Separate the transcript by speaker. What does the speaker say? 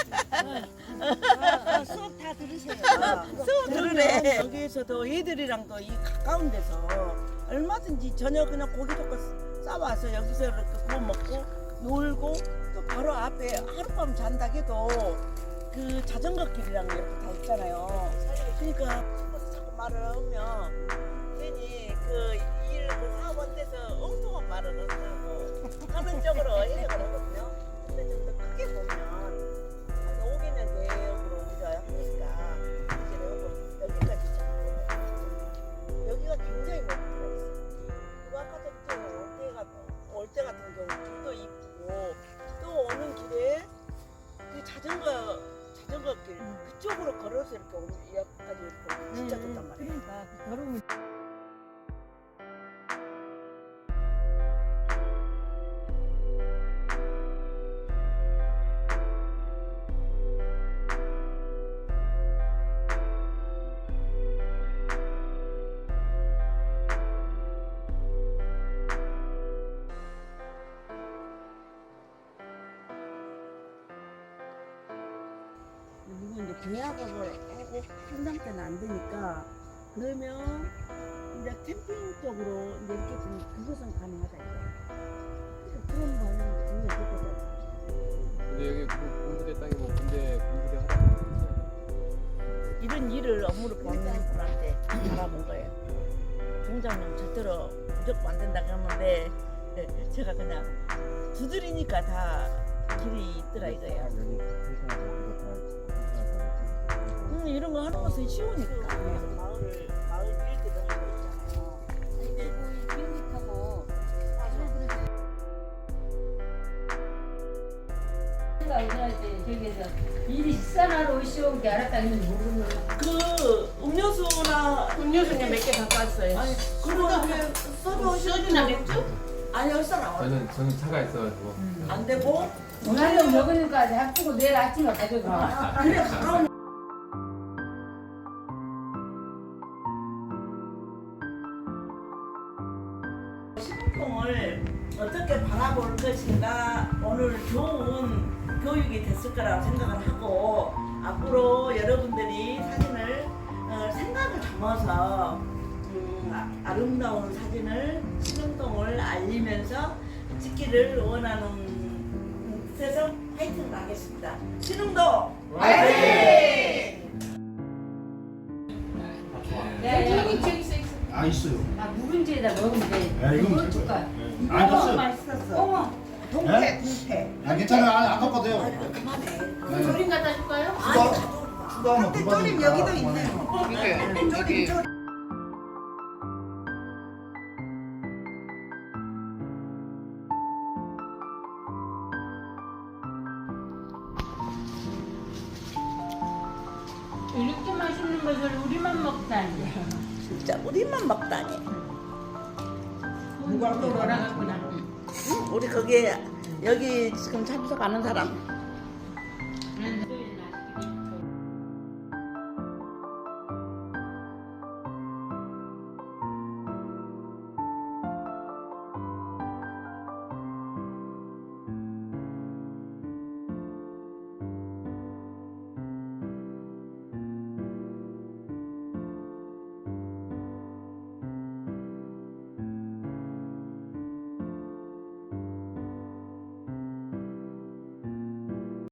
Speaker 1: 수업 다 들으세요.
Speaker 2: 수업 들으래.
Speaker 1: 그러면 여기에서도 애들이랑도 이 가까운 데서 얼마든지 저녁 그냥 고기 젓고 싸와서 여기서 이렇게 구워 먹고 놀고 또 바로 앞에 하룻밤 잔다 해도 그 자전거 길이랑 이렇게 다 있잖아요. 그러니까 자꾸 말을 하면 괜히 그 사원 돼서 엉뚱한 말을 한다고 하는 쪽으로 해석을 하거든요. 근데 좀 더 크게 보면 한 5개년 대역으로 우리가 하니까 이제 여기까지 잡고 여기가 굉장히 멋지더라고요. 그리고 아까 전에 올 때 같은 경우 길도 이쁘고 또 오는 길에 그 자전거길 그쪽으로 걸어서 이렇게 오는 여기까지 이렇게 오면 진짜 좋단 말이에요.
Speaker 3: 그러니까 걸으면
Speaker 1: 그리고 이제 계약을 하고 한당 때는 안 되니까 그러면 이제 캠핑 쪽으로 이제 이렇게 좀 그것은 가능하다 이거예요. 그런 거는 우리가 그거죠.
Speaker 4: 근데 여기 군부대 땅이 뭐 군부대 하다
Speaker 2: 이런 일을 업무로 보는 분한테 잘하는 거예요. 종장님 절대로 무조건 안 된다 그러는데 제가 그냥 두드리니까 다 길이 있더라 이거예요. 이런 거 하는 것은 쉬우니까. 마을 일들을 하고 있잖아요.
Speaker 3: 근데 비행기타고 저기에서 일이 식사하러 오시온 게 알았다는 모르는
Speaker 2: 그 음료수는 몇 개 갖고 왔어요.
Speaker 1: 아니 그러다 왜
Speaker 2: 소주나 맥주?
Speaker 1: 아니 여기서 나와.
Speaker 4: 저는 차가 있어가지고
Speaker 1: 안 되고
Speaker 3: 오늘도 먹으니까 학교고 내일 아침에 가져가.
Speaker 1: 그래 가까운
Speaker 2: 시국공을 어떻게 바라볼 것인가 오늘 좋은 교육이 됐을 거라고 생각을 하고 앞으로 여러분들이 사진을 생각을 담아서 아름다운 사진을 신흥동을 알리면서 찍기를 원하는 뜻에서 화이팅을 하겠습니다. 신흥동 화이팅!
Speaker 3: 저기 저기 있어.
Speaker 5: 아 있어요.
Speaker 3: 아 묵은지에다 먹으면 돼.
Speaker 5: 네, 이거
Speaker 3: 이거
Speaker 5: 먹을
Speaker 3: 줄까?
Speaker 5: 거예요. 아 됐어요.
Speaker 1: 맛있었어.
Speaker 3: 어머,
Speaker 1: 동태.
Speaker 5: 아 괜찮아요. 안 아깝거든요.
Speaker 1: 그만해.
Speaker 5: 네.
Speaker 3: 조림 갖다 줄까요?
Speaker 5: 추가하면
Speaker 1: 근데
Speaker 5: 두
Speaker 1: 조림
Speaker 5: 받으니까
Speaker 1: 여기도
Speaker 5: 그만해요.
Speaker 1: 있네요. 조림.
Speaker 3: 이렇게 맛있는 것을 우리만 먹다니.
Speaker 2: 진짜 우리만 먹다니.
Speaker 3: 누가 또 놀아갔구나.
Speaker 2: 우리 거기에 여기 지금 참석하는 사람